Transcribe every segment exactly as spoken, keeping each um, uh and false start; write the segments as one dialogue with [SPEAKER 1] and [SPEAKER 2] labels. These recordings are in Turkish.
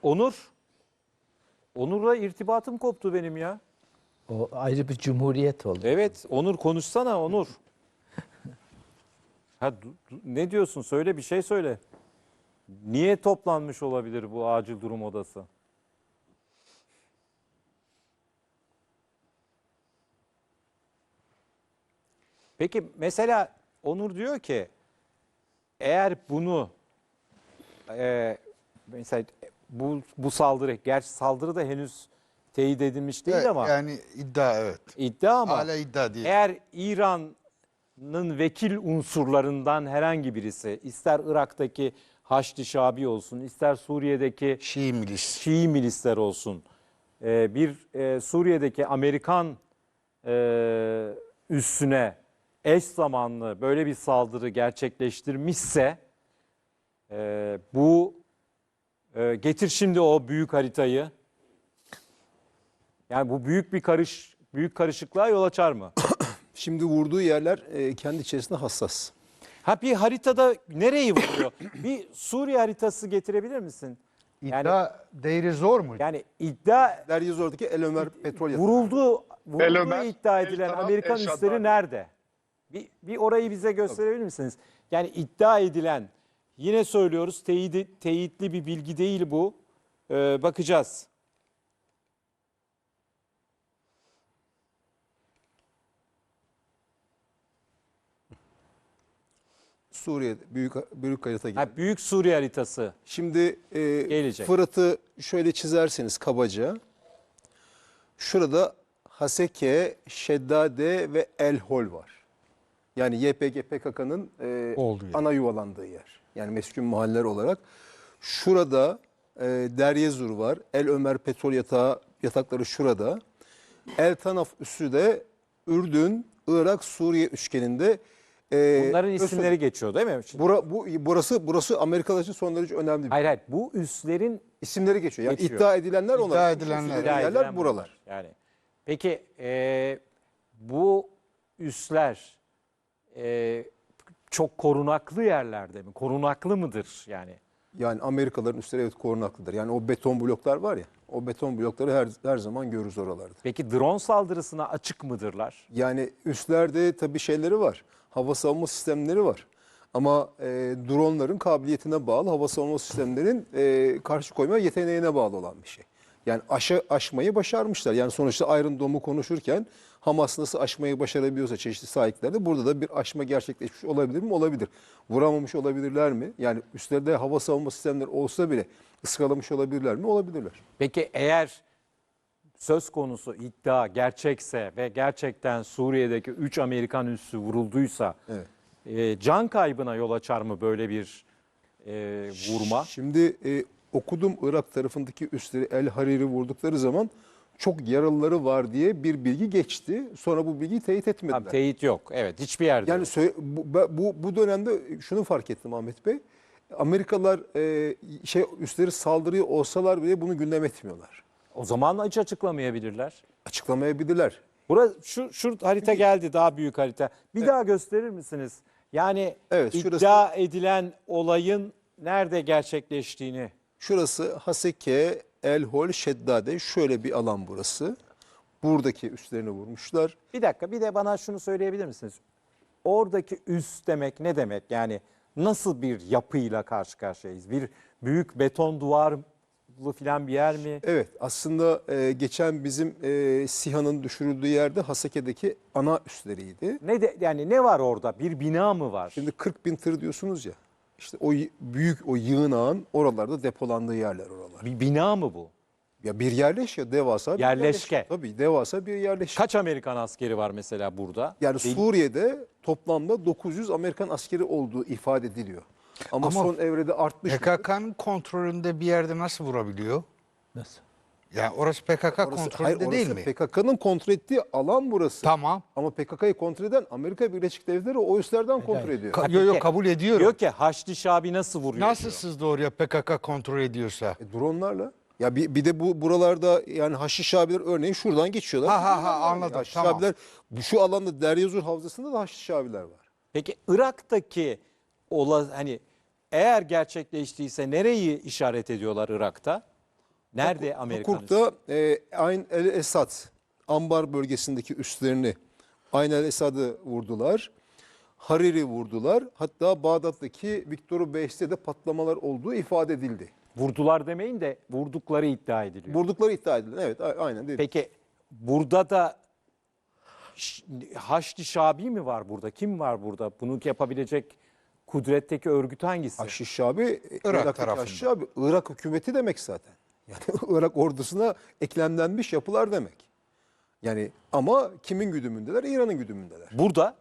[SPEAKER 1] Onur. Onur'la irtibatım koptu benim ya.
[SPEAKER 2] O ayrı bir cumhuriyet oldu.
[SPEAKER 1] Evet, Onur konuşsana Onur. Ha, du- du- ne diyorsun? Söyle, bir şey söyle. Niye toplanmış olabilir bu acil durum odası? Peki mesela Onur diyor ki eğer bunu e, mesela bu bu saldırı, gerçi saldırı da henüz teyit edilmiş değil
[SPEAKER 3] Evet,
[SPEAKER 1] ama
[SPEAKER 3] yani iddia evet.
[SPEAKER 1] iddia ama
[SPEAKER 3] Hala iddia değil.
[SPEAKER 1] eğer İran'ın vekil unsurlarından herhangi birisi, ister Irak'taki Haçlı Şabi olsun, ister Suriye'deki
[SPEAKER 3] Şii milis.
[SPEAKER 1] Şii milisler olsun, e, bir e, Suriye'deki Amerikan e, üssüne eş zamanlı böyle bir saldırı gerçekleştirmişse e, bu e, getir şimdi o büyük haritayı. Yani bu büyük bir karış büyük karışıklığa yol açar mı?
[SPEAKER 4] Şimdi vurduğu yerler e, kendi içerisinde hassas.
[SPEAKER 1] Ha, bir haritada nereyi vuruyor? Bir Suriye haritası getirebilir misin? Yani
[SPEAKER 3] İddia değeri zor mu?
[SPEAKER 1] yani iddia
[SPEAKER 4] Deryozor'daki El Ömer petrol yatağı.
[SPEAKER 1] vurulduğu, vurulduğu
[SPEAKER 5] El Ömer,
[SPEAKER 1] iddia
[SPEAKER 5] El
[SPEAKER 1] edilen
[SPEAKER 5] Taraf,
[SPEAKER 1] Amerikan
[SPEAKER 5] El Shaddad.
[SPEAKER 1] üsleri nerede? Bir, bir orayı bize gösterebilir misiniz? Yani iddia edilen, yine söylüyoruz, teyidi, teyitli bir bilgi değil bu. Ee, bakacağız.
[SPEAKER 4] Suriye büyük büyük harita gibi.
[SPEAKER 1] Ha, Büyük Suriye haritası.
[SPEAKER 4] Şimdi e,
[SPEAKER 1] Gelecek.
[SPEAKER 4] Fırat'ı şöyle çizerseniz kabaca. Şurada Haseke, Şeddade ve El Hol var. Yani Y P G P K K'nın e,
[SPEAKER 3] Olduğu yer.
[SPEAKER 4] ana yuvalandığı yer. Yani meskun mahalleler olarak. Şurada e, Deryezur var. El Ömer petrol yatağı yatakları şurada. El Tanaf üssü de Ürdün, Irak, Suriye üçgeninde. E,
[SPEAKER 1] Bunların
[SPEAKER 4] Öz-
[SPEAKER 1] isimleri geçiyor değil mi? Şimdi-
[SPEAKER 4] Bura, bu, burası burası Amerikalılar için son derece önemli bir
[SPEAKER 1] Hayır hayır, bu üslerin
[SPEAKER 4] isimleri geçiyor. Yani
[SPEAKER 1] Geçiyor.
[SPEAKER 4] iddia edilenler onlar.
[SPEAKER 3] İddia edilenler.
[SPEAKER 4] İddia
[SPEAKER 1] iddia
[SPEAKER 4] yerler
[SPEAKER 1] edilen
[SPEAKER 4] buralar.
[SPEAKER 1] bunlar. Yani peki e, bu üsler e, çok korunaklı yerlerde mi? Korunaklı mıdır yani?
[SPEAKER 4] Yani Amerikalıların üstleri evet korunaklıdır. Yani o beton bloklar var ya, o beton blokları her her zaman görürüz oralarda.
[SPEAKER 1] Peki drone saldırısına açık mıdırlar?
[SPEAKER 4] Yani üstlerde tabii şeyleri var. Hava savunma sistemleri var. Ama e, dronların kabiliyetine bağlı, hava savunma sistemlerinin e, karşı koyma yeteneğine bağlı olan bir şey. Yani aşı, aşmayı başarmışlar. Yani sonuçta Iron Dome'u konuşurken Hamas nasıl aşmayı başarabiliyorsa çeşitli sahiplerde burada da bir aşma gerçekleşmiş olabilir mi? Olabilir. Vuramamış olabilirler mi? Yani üstlerde hava savunma sistemleri olsa bile ıskalamış olabilirler mi? Olabilirler.
[SPEAKER 1] Peki eğer söz konusu iddia gerçekse ve gerçekten Suriye'deki üç Amerikan üssü vurulduysa
[SPEAKER 4] Evet.
[SPEAKER 1] e, can kaybına yol açar mı böyle bir e, vurma?
[SPEAKER 4] Şimdi e, okudum Irak tarafındaki üsleri El Hariri vurdukları zaman çok yaralıları var diye bir bilgi geçti. Sonra bu bilgiyi teyit etmediler.
[SPEAKER 1] Tamam, teyit yok. Evet, hiçbir yerde
[SPEAKER 4] Yani
[SPEAKER 1] yok.
[SPEAKER 4] sö- bu, bu bu dönemde şunu fark ettim Ahmet Bey. Amerikalılar e, şey üstleri saldırıyor olsalar bile bunu gündem etmiyorlar.
[SPEAKER 1] O zaman hiç açıklamayabilirler.
[SPEAKER 4] Açıklamayabilirler.
[SPEAKER 1] Burası şu şu harita geldi, daha büyük harita. Bir daha gösterir misiniz? Yani
[SPEAKER 4] Evet, şurası-
[SPEAKER 1] iddia edilen olayın nerede gerçekleştiğini.
[SPEAKER 4] Şurası Haseke, El Hol, Şeddade, şöyle bir alan burası. Buradaki üstlerini vurmuşlar.
[SPEAKER 1] Bir dakika, bir de bana şunu söyleyebilir misiniz? Oradaki üs demek ne demek? Yani nasıl bir yapıyla karşı karşıyayız? Bir büyük beton duvarlı falan bir yer mi?
[SPEAKER 4] Evet, aslında e, geçen bizim e, SİHA'nın düşürüldüğü yerde Haseke'deki ana üsleriydi.
[SPEAKER 1] Ne de, yani ne var orada? Bir bina mı var?
[SPEAKER 4] Şimdi kırk bin tır diyorsunuz ya. İşte o y- büyük o yığınağın oralarda depolandığı yerler oralar.
[SPEAKER 1] Bir bina mı bu?
[SPEAKER 4] Ya bir yerleş ya devasa bir
[SPEAKER 1] Yerleşke.
[SPEAKER 4] yerleşke. Tabii devasa bir yerleşke.
[SPEAKER 1] Kaç Amerikan askeri var mesela burada?
[SPEAKER 4] Yani
[SPEAKER 1] Değil-
[SPEAKER 4] Suriye'de toplamda dokuz yüz Amerikan askeri olduğu ifade ediliyor. Ama,
[SPEAKER 3] Ama
[SPEAKER 4] son evrede artmış.
[SPEAKER 3] P K K'nın kontrolünde bir yerde nasıl vurabiliyor?
[SPEAKER 2] Nasıl?
[SPEAKER 3] Yani orası P K K
[SPEAKER 4] Orası-
[SPEAKER 3] kontrolünde
[SPEAKER 4] hayır,
[SPEAKER 3] değil
[SPEAKER 4] orası
[SPEAKER 3] mi?
[SPEAKER 4] P K K'nın kontrol ettiği alan burası.
[SPEAKER 3] Tamam.
[SPEAKER 4] Ama P K K'yı kontrol eden Amerika Birleşik Devletleri o üslerden kontrol ediyor.
[SPEAKER 3] Ka- yo, yo, kabul ediyorum.
[SPEAKER 1] Diyor ki Haçlı Şabi nasıl vuruyor?
[SPEAKER 3] Nasıl
[SPEAKER 1] diyor.
[SPEAKER 3] sızdı oraya P K K kontrol ediyorsa?
[SPEAKER 4] E, dronlarla. Ya bir, bir de bu buralarda yani Haçlı Şabiler örneğin şuradan geçiyorlar.
[SPEAKER 3] Ha, ha, ha, anladım,
[SPEAKER 4] Haçlı
[SPEAKER 3] tamam.
[SPEAKER 4] Şabiler, bu şu alanda Deryozur Havzası'nda da Haçlı Şabiler var.
[SPEAKER 1] Peki Irak'taki ola, hani eğer gerçekleştiyse nereyi işaret ediyorlar Irak'ta? Nerede Amerikan üssü?
[SPEAKER 4] Kirkuk'ta e, Ayn el Esad Ambar bölgesindeki üslerini Ayn el Esad'ı vurdular. Hariri vurdular. Hatta Bağdat'taki Victor Beş'te de patlamalar olduğu ifade edildi.
[SPEAKER 1] Vurdular demeyin de vurdukları iddia ediliyor.
[SPEAKER 4] Vurdukları iddia edilen. Evet, a- aynen dedi.
[SPEAKER 1] Peki burada da Ş- Haçlı Şabi mi var burada? Kim var burada? Bunu yapabilecek kudretteki örgüt hangisi?
[SPEAKER 4] Haşiş Şabi,
[SPEAKER 3] Irak
[SPEAKER 4] Irak'taki
[SPEAKER 3] tarafında.
[SPEAKER 4] Haşiş Şabi, Irak hükümeti demek zaten. Yani Irak ordusuna eklemlenmiş yapılar demek. Yani ama kimin güdümündeler? İran'ın güdümündeler.
[SPEAKER 1] Burada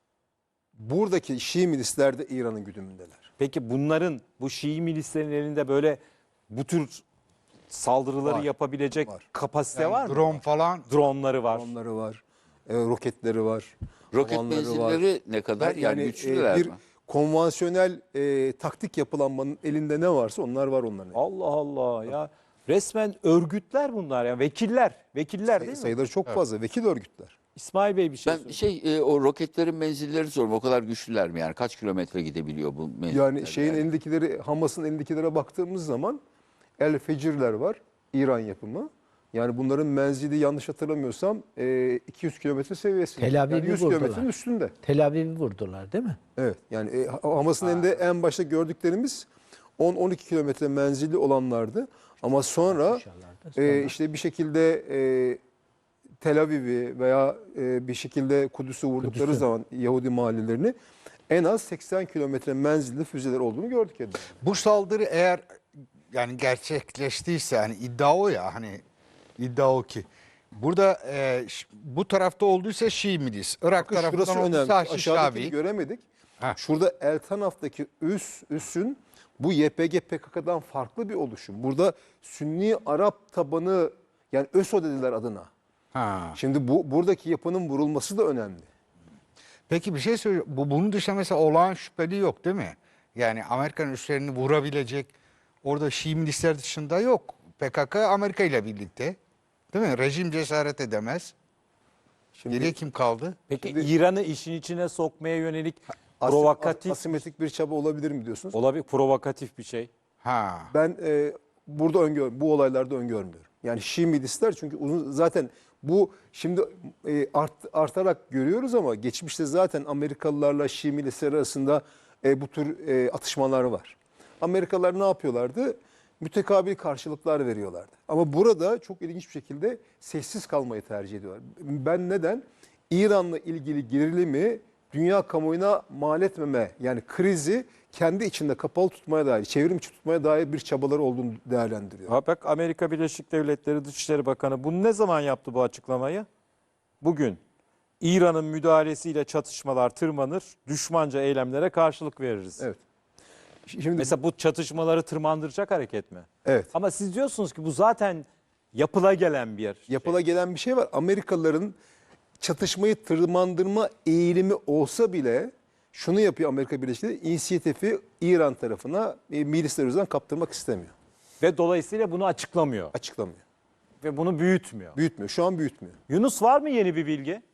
[SPEAKER 4] Buradaki Şii milisler de İran'ın güdümündeler.
[SPEAKER 1] peki bunların bu Şii milislerin elinde böyle bu tür saldırıları
[SPEAKER 4] Var,
[SPEAKER 1] yapabilecek
[SPEAKER 4] var.
[SPEAKER 1] kapasite var mı?
[SPEAKER 3] Drone falan.
[SPEAKER 1] Dronları var.
[SPEAKER 4] Onları var, e, roketleri var,
[SPEAKER 5] Roket
[SPEAKER 4] havanları var.
[SPEAKER 5] menzilleri ne kadar? Yani,
[SPEAKER 4] Yani
[SPEAKER 5] güçlüler
[SPEAKER 4] e, bir
[SPEAKER 5] mi?
[SPEAKER 4] konvansiyonel e, taktik yapılanmanın elinde ne varsa onlar var onların elinde.
[SPEAKER 1] Allah Allah ya. Resmen örgütler bunlar ya. Vekiller. Vekiller değil mi?
[SPEAKER 4] Sayıları çok fazla. Vekil örgütler.
[SPEAKER 1] İsmail Bey bir şey
[SPEAKER 5] Ben
[SPEAKER 1] söyleyeyim.
[SPEAKER 5] şey e, o roketlerin menzilleri soruyorum. O kadar güçlüler mi yani? Kaç kilometre gidebiliyor bu menziller?
[SPEAKER 4] Yani şeyin elindekileri, Hamas'ın elindekilere baktığımız zaman El Fecirler var. İran yapımı. Yani bunların menzili yanlış hatırlamıyorsam e, iki yüz kilometre seviyesinde.
[SPEAKER 2] Tel Aviv'i
[SPEAKER 4] yani yüz
[SPEAKER 2] vurdular.
[SPEAKER 4] kilometrenin üstünde.
[SPEAKER 2] Tel Aviv'i vurdular değil mi?
[SPEAKER 4] Evet. Yani e, Hamas'ın elinde en başta gördüklerimiz on on iki kilometre menzilli olanlardı. Ama sonra
[SPEAKER 2] Sonra-
[SPEAKER 4] e, işte bir şekilde e, Tel Aviv'i veya e, bir şekilde Kudüs'ü vurdukları
[SPEAKER 2] Kudüs'ü.
[SPEAKER 4] zaman Yahudi mahallelerini en az seksen kilometre menzilli füzeler olduğunu gördük. Yani.
[SPEAKER 3] Bu saldırı eğer yani gerçekleştiyse hani iddia o ya hani iddia o ki. Burada e, ş- bu tarafta olduysa Şii milis. Irak
[SPEAKER 4] Bakın şurası
[SPEAKER 3] tarafından
[SPEAKER 4] önemli.
[SPEAKER 3] olduysa Haşiş
[SPEAKER 4] Aşağıdakini
[SPEAKER 3] Şabi.
[SPEAKER 4] göremedik.
[SPEAKER 3] Ha.
[SPEAKER 4] Şurada El Tanaf'taki üs, üssün bu Y P G P K K'dan farklı bir oluşum. Burada Sünni Arap tabanı yani ÖSO dediler adına.
[SPEAKER 3] Ha.
[SPEAKER 4] Şimdi bu buradaki yapının vurulması da önemli.
[SPEAKER 3] Peki bir şey söyleyeyim. Bu bunun dışında mesela olağan şüpheli yok değil mi? Yani Amerikan üslerini vurabilecek orada Şii milisler dışında yok. P K K Amerika ile birlikte. Değil mi? Rejim cesaret edemez.
[SPEAKER 4] Şimdi
[SPEAKER 3] Geriye kim kaldı?
[SPEAKER 1] Peki
[SPEAKER 4] Şimdi-
[SPEAKER 1] İran'ı işin içine sokmaya yönelik
[SPEAKER 4] asim-
[SPEAKER 1] provokatif
[SPEAKER 4] asimetrik bir çaba olabilir mi diyorsunuz?
[SPEAKER 1] olabilir provokatif bir şey.
[SPEAKER 3] Ha.
[SPEAKER 4] Ben e, burada öngör, bu olaylarda öngörmüyorum. Yani Şii milisler çünkü uzun zaten bu şimdi e, art, artarak görüyoruz ama geçmişte zaten Amerikalılarla Şii milisler arasında e, bu tür e, atışmalar var. Amerikalılar ne yapıyorlardı? Mütekabil karşılıklar veriyorlardı. Ama burada çok ilginç bir şekilde sessiz kalmayı tercih ediyorlar. Ben neden? İran'la ilgili gerilimi dünya kamuoyuna mal etmeme yani krizi kendi içinde kapalı tutmaya dair, çevrim içi tutmaya dair bir çabaları olduğunu değerlendiriyor.
[SPEAKER 1] Ha bak Amerika Birleşik Devletleri Dışişleri Bakanı bunu ne zaman yaptı bu açıklamayı? Bugün. İran'ın müdahalesiyle çatışmalar tırmanır, düşmanca eylemlere karşılık veririz.
[SPEAKER 4] Evet. Şimdi
[SPEAKER 1] Mesela bu çatışmaları tırmandıracak hareket mi?
[SPEAKER 4] evet.
[SPEAKER 1] Ama siz diyorsunuz ki bu zaten yapıla gelen bir yer.
[SPEAKER 4] Yapıla gelen bir şey var. Amerikalıların çatışmayı tırmandırma eğilimi olsa bile şunu yapıyor Amerika Birleşik Devletleri, inisiyatifi İran tarafına e, milisler üzerinden kaptırmak istemiyor.
[SPEAKER 1] Ve dolayısıyla bunu açıklamıyor.
[SPEAKER 4] Açıklamıyor.
[SPEAKER 1] Ve bunu büyütmüyor.
[SPEAKER 4] Büyütmüyor. Şu an büyütmüyor.
[SPEAKER 1] Yunus var mı yeni bir bilgi?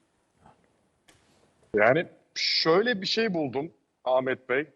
[SPEAKER 6] Yani şöyle bir şey buldum Ahmet Bey.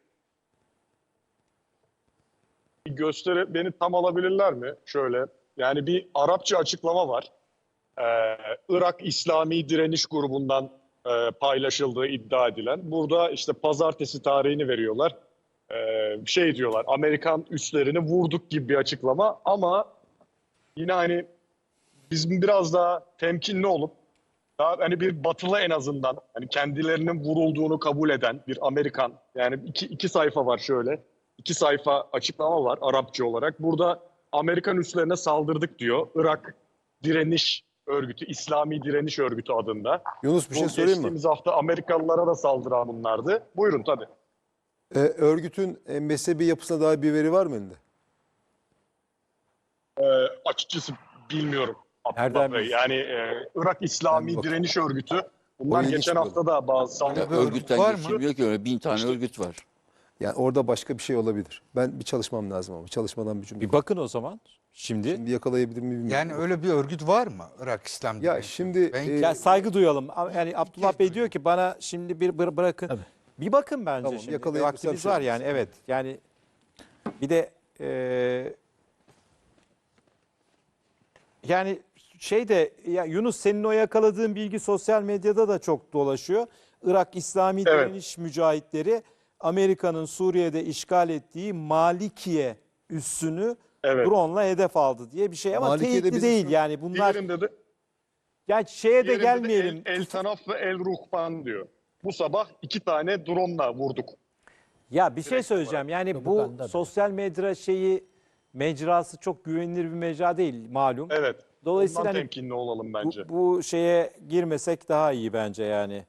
[SPEAKER 6] Bir gösteri beni tam alabilirler mi? Şöyle yani bir Arapça açıklama var. Ee, Irak İslami Direniş Grubu'ndan e, paylaşıldığı iddia edilen. Burada işte pazartesi tarihini veriyorlar. Ee, şey diyorlar Amerikan üslerini vurduk gibi bir açıklama ama yine hani bizim biraz daha temkinli olup daha hani bir batılı en azından hani kendilerinin vurulduğunu kabul eden bir Amerikan yani iki, iki sayfa var şöyle iki sayfa açıklama var Arapça olarak. Burada Amerikan üslerine saldırdık diyor. Irak Direniş Örgütü, İslami Direniş Örgütü adında.
[SPEAKER 4] Yunus bir şey
[SPEAKER 6] Bu
[SPEAKER 4] söyleyeyim mi?
[SPEAKER 6] geçtiğimiz hafta Amerikalılara da saldıran bunlardı. Buyurun tabii.
[SPEAKER 4] Ee, örgütün e, mezhebi yapısına dair bir veri var mı elinde?
[SPEAKER 6] Ee, açıkçası bilmiyorum. Abdullah
[SPEAKER 1] Nereden
[SPEAKER 6] Bey.
[SPEAKER 1] bilsin?
[SPEAKER 6] Yani e, Irak İslami
[SPEAKER 4] Ben
[SPEAKER 6] Direniş Örgütü. Bunlar
[SPEAKER 4] O ilginç
[SPEAKER 6] geçen
[SPEAKER 4] bir
[SPEAKER 6] hafta da bazı saldırı
[SPEAKER 3] bir örgüt
[SPEAKER 5] Örgütten
[SPEAKER 3] var mı?
[SPEAKER 5] geçilmiyor ki öyle bin tane örgüt var.
[SPEAKER 4] Yani orada başka bir şey olabilir. Ben bir çalışmam lazım ama çalışmadan bir cümle.
[SPEAKER 1] Bir bakın o zaman. Şimdi
[SPEAKER 4] Şimdi yakalayabilir miyim bilmiyorum.
[SPEAKER 3] Yani öyle bir örgüt var mı? Irak İslam
[SPEAKER 4] Ya
[SPEAKER 3] Direnişi.
[SPEAKER 4] şimdi
[SPEAKER 3] Ben-
[SPEAKER 4] e,
[SPEAKER 1] ya saygı duyalım. Yani Abdullah Bey diyor ki bana şimdi bir bır- bırakın.
[SPEAKER 2] Tabii.
[SPEAKER 1] Bir bakın bence
[SPEAKER 4] Tamam,
[SPEAKER 1] şimdi.
[SPEAKER 4] yakalayabilirsem
[SPEAKER 1] Vaktimiz
[SPEAKER 4] şey
[SPEAKER 1] var
[SPEAKER 4] yaparız.
[SPEAKER 1] yani evet. Yani bir de e, Yani şey de ya Yunus, senin o yakaladığın bilgi sosyal medyada da çok dolaşıyor. Irak İslami
[SPEAKER 6] Evet.
[SPEAKER 1] Direniş Mücahitleri Amerika'nın Suriye'de işgal ettiği Malikiye üssünü
[SPEAKER 6] Evet.
[SPEAKER 1] drone'la hedef aldı diye bir şey ama
[SPEAKER 4] Malikiye'de
[SPEAKER 1] teyitli
[SPEAKER 4] bizim
[SPEAKER 1] değil
[SPEAKER 4] şu-
[SPEAKER 1] yani bunlar.
[SPEAKER 6] Diğerinde de,
[SPEAKER 1] Yani şeye de
[SPEAKER 6] diğerinde
[SPEAKER 1] gelmeyelim.
[SPEAKER 6] de El, El Tanaf ve El Ruhban diyor. Bu sabah iki tane drone'la vurduk.
[SPEAKER 1] Ya bir şey söyleyeceğim. Yani bu
[SPEAKER 2] Propaganda
[SPEAKER 1] sosyal medya şeyi mecrası çok güvenilir bir mecra değil malum.
[SPEAKER 6] Evet.
[SPEAKER 1] Dolayısıyla
[SPEAKER 6] Ondan
[SPEAKER 1] hani
[SPEAKER 6] temkinli olalım
[SPEAKER 1] bu,
[SPEAKER 6] bence.
[SPEAKER 1] bu şeye girmesek daha iyi bence yani.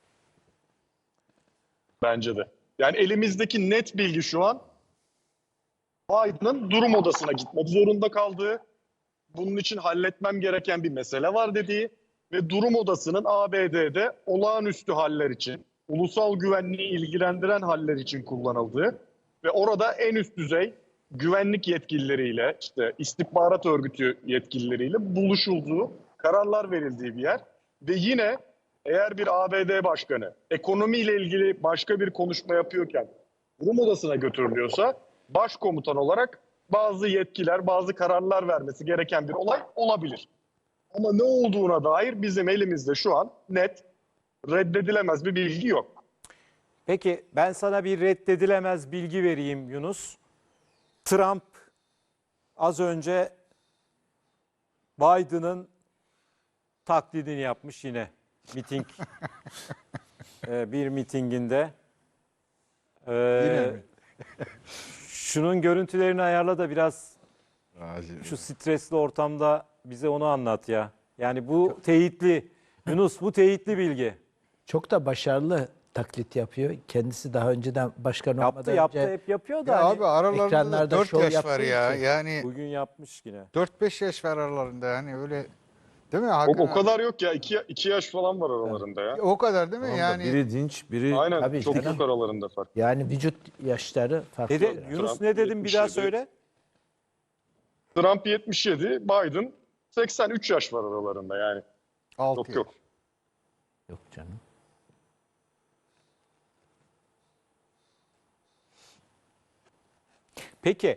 [SPEAKER 6] Bence de. Yani elimizdeki net bilgi şu an Biden'ın durum odasına gitmek zorunda kaldığı, bunun için halletmem gereken bir mesele var dediği ve durum odasının A B D'de olağanüstü haller için, ulusal güvenliği ilgilendiren haller için kullanıldığı ve orada en üst düzey güvenlik yetkilileriyle, işte istihbarat örgütü yetkilileriyle buluşulduğu, kararlar verildiği bir yer. Ve yine eğer bir A B D başkanı ekonomiyle ilgili başka bir konuşma yapıyorken durum odasına götürülüyorsa başkomutan olarak bazı yetkiler, bazı kararlar vermesi gereken bir olay olabilir. Ama ne olduğuna dair bizim elimizde şu an net, reddedilemez bir bilgi yok.
[SPEAKER 1] Peki ben sana bir reddedilemez bilgi vereyim Yunus. Trump az önce Biden'ın taklidini yapmış yine miting Ee, bir mitinginde. Ee,
[SPEAKER 3] Yine mi?
[SPEAKER 1] Şunun görüntülerini ayarla da biraz şu stresli ortamda bize onu anlat ya. Yani bu teyitli. Yunus, bu teyitli bilgi.
[SPEAKER 2] Çok da başarılı taklit yapıyor. Kendisi daha önceden başkan
[SPEAKER 1] Yaptı
[SPEAKER 2] olmadan
[SPEAKER 1] yaptı
[SPEAKER 2] önce
[SPEAKER 1] hep yapıyor da
[SPEAKER 3] Ya
[SPEAKER 1] hani
[SPEAKER 3] abi aralarında da
[SPEAKER 2] ekranlarda
[SPEAKER 3] dört
[SPEAKER 2] şov
[SPEAKER 3] yaş var
[SPEAKER 2] yaptığı
[SPEAKER 3] ya.
[SPEAKER 2] için.
[SPEAKER 3] Yani
[SPEAKER 1] bugün yapmış yine.
[SPEAKER 3] dört beş yaş var aralarında yani öyle değil mi
[SPEAKER 6] O,
[SPEAKER 3] Hakan
[SPEAKER 6] o
[SPEAKER 3] abi?
[SPEAKER 6] kadar yok ya. iki, iki yaş falan var aralarında ya.
[SPEAKER 3] O kadar değil mi?
[SPEAKER 7] Tamam da
[SPEAKER 3] Yani
[SPEAKER 7] biri dinç, biri
[SPEAKER 6] Aynen.
[SPEAKER 2] Tabii
[SPEAKER 6] çok
[SPEAKER 2] canım.
[SPEAKER 6] yok aralarında fark.
[SPEAKER 2] Yani vücut yaşları farklı.
[SPEAKER 1] Dede,
[SPEAKER 2] biraz.
[SPEAKER 1] Yunus
[SPEAKER 6] Trump
[SPEAKER 1] ne dedim bir daha
[SPEAKER 6] yetmiş yedi.
[SPEAKER 1] söyle.
[SPEAKER 6] Trump yetmiş yedi, Biden seksen üç yaş var aralarında yani.
[SPEAKER 3] altı
[SPEAKER 6] Yok
[SPEAKER 3] yaş.
[SPEAKER 6] yok.
[SPEAKER 2] Yok canım.
[SPEAKER 1] Peki